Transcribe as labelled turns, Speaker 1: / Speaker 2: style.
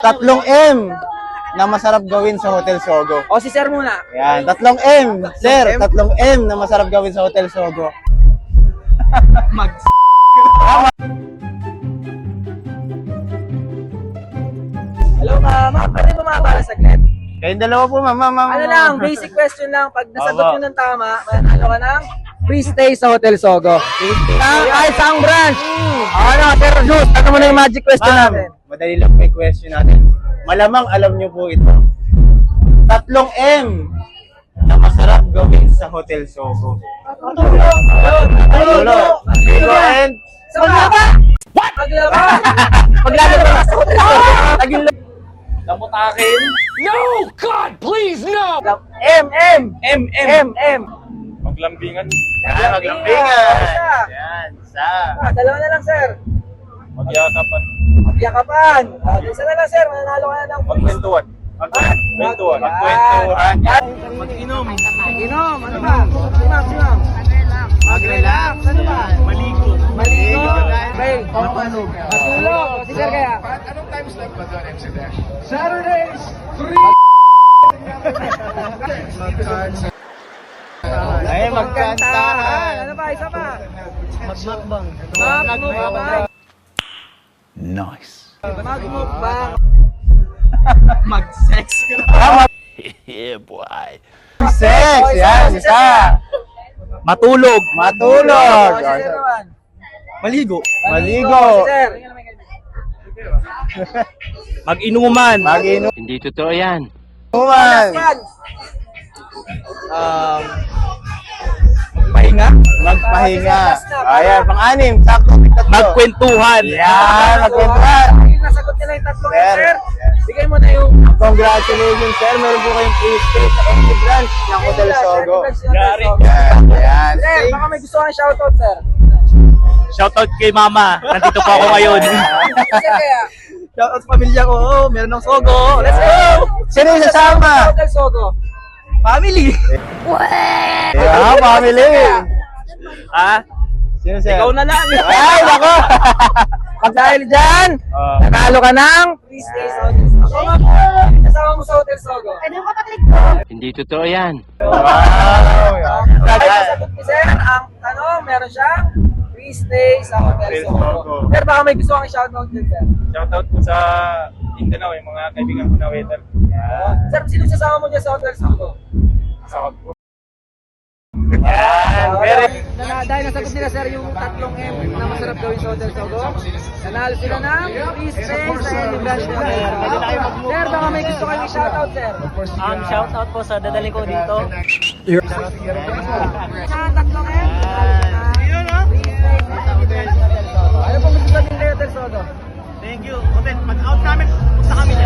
Speaker 1: Tatlong M na masarap gawin sa Hotel Sogo.
Speaker 2: O, si Sir muna.
Speaker 1: Yan, tatlong M. Sir, tatlong M na masarap gawin sa Hotel Sogo.
Speaker 2: Mag... Hello, ma'am. Pwede bumaba saglit?
Speaker 1: Kayong dalawa po, ma'am.
Speaker 2: Ano lang, basic question lang. Pag nasagot nyo ng tama, manalo ka ng free stay sa Hotel Sogo. Ay, isang branch. Ano, Sir Juice, ano mo na yung magic question
Speaker 1: Ma'am,
Speaker 2: natin?
Speaker 1: madali lang po yung question natin. Malamang alam nyo po ito. Tatlong M na masarap gawin sa Hotel Sogo. Tulo. Tulo and...
Speaker 2: Paglaba! What? Paglaba! Paglaba sa Hotel Sogo. Tagil lang.
Speaker 1: Lamutakin.
Speaker 3: No! God, please, no!
Speaker 2: M.
Speaker 3: Maglambingan.
Speaker 1: Yan, maglambingan. Yan, isa.
Speaker 2: Dalawa na lang, sir.
Speaker 3: Magyakapan.
Speaker 2: Magyakapan. Isa na lang, sir. Mananalo ka na ng
Speaker 3: Magkwentuhan. Magkwentuhan.
Speaker 1: Magkwentuhan.
Speaker 2: Mag-inom. Ano ba? Maximum. Mag-relax. Ano ba? Maligo. Okay. Matulog. Si sir kaya?
Speaker 4: Anong time slot ba doon, MC Dash? Saturdays, 3!
Speaker 1: Ay, magkantahan.
Speaker 2: Ano ba? Isa pa?
Speaker 1: Magmakbang.
Speaker 2: Magmukbang.
Speaker 3: Nice.
Speaker 2: Magmukbang. Mag-sex.
Speaker 3: Yeah, boy.
Speaker 1: Sex. Yan, isa.
Speaker 3: Matulog.
Speaker 1: Matulog.
Speaker 2: Si sir naman.
Speaker 3: Maligo.
Speaker 1: Maligo.
Speaker 2: Si sir.
Speaker 3: Mag-inuman.
Speaker 1: Mag-inuman.
Speaker 3: Hindi totoo yan.
Speaker 2: Pahinga.
Speaker 1: Magpahinga. Ayan, pang-anim. Sakto. Tatlo.
Speaker 3: Magkwentuhan.
Speaker 1: Yan, magkwentuhan.
Speaker 2: Nasagot nila yung tatlong
Speaker 1: Sir.
Speaker 2: sir. Bigay mo na yung
Speaker 1: Congratulations, sir. Meron po kayong free stay sa Only Branch ng Hotel Sogo.
Speaker 3: Yari.
Speaker 1: Yan.
Speaker 2: Sir, baka may gusto kang shoutout, sir.
Speaker 3: Shoutout kay mama. Nandito po ako ngayon.
Speaker 2: Sir, kaya.
Speaker 3: Shoutout sa pamilya ko. Oh, meron ng sogo. Let's go!
Speaker 1: Sino yung sasama?
Speaker 2: Hotel Sogo.
Speaker 3: Family.
Speaker 1: Yeah, family.
Speaker 3: Ah,
Speaker 1: Sino, sir?
Speaker 3: ikaw na lang.
Speaker 1: Ay, nako.
Speaker 2: Pag dahil dyan, nanalo ka ng free stay sa Hotel Sogo. Kasama mo sa Hotel Sogo.
Speaker 3: Hindi totoo yan.
Speaker 1: Wow.
Speaker 2: Ay, nasagot ni sir, ang tanong, meron siyang free stay sa Hotel Sogo. Sir, baka may gusto kang shoutout din, sir.
Speaker 3: Shoutout po sa Mindanao, yung mga kaibigan ko na waiter.
Speaker 2: Sir, sino sasama mo dyan sa Hotel Sogo?
Speaker 3: Shoutout po.
Speaker 2: Dahil nasagot nila sir yung tatlong M na masarap gawin sa Hotel Sogo, nanalo sila ng free stay sa any branch ng Hotel Sogo. Sir, baka may gusto kayong i-shoutout, sir.
Speaker 5: Shoutout po sa dadaling ko dito.
Speaker 2: Sa tatlong M, nanalo sila ng free stay sa any branch ng Hotel Sogo. Ano pong gusto sabihin kayo, Hotel Sogo?
Speaker 5: Thank you. Hotel, pag-out namin, sa kami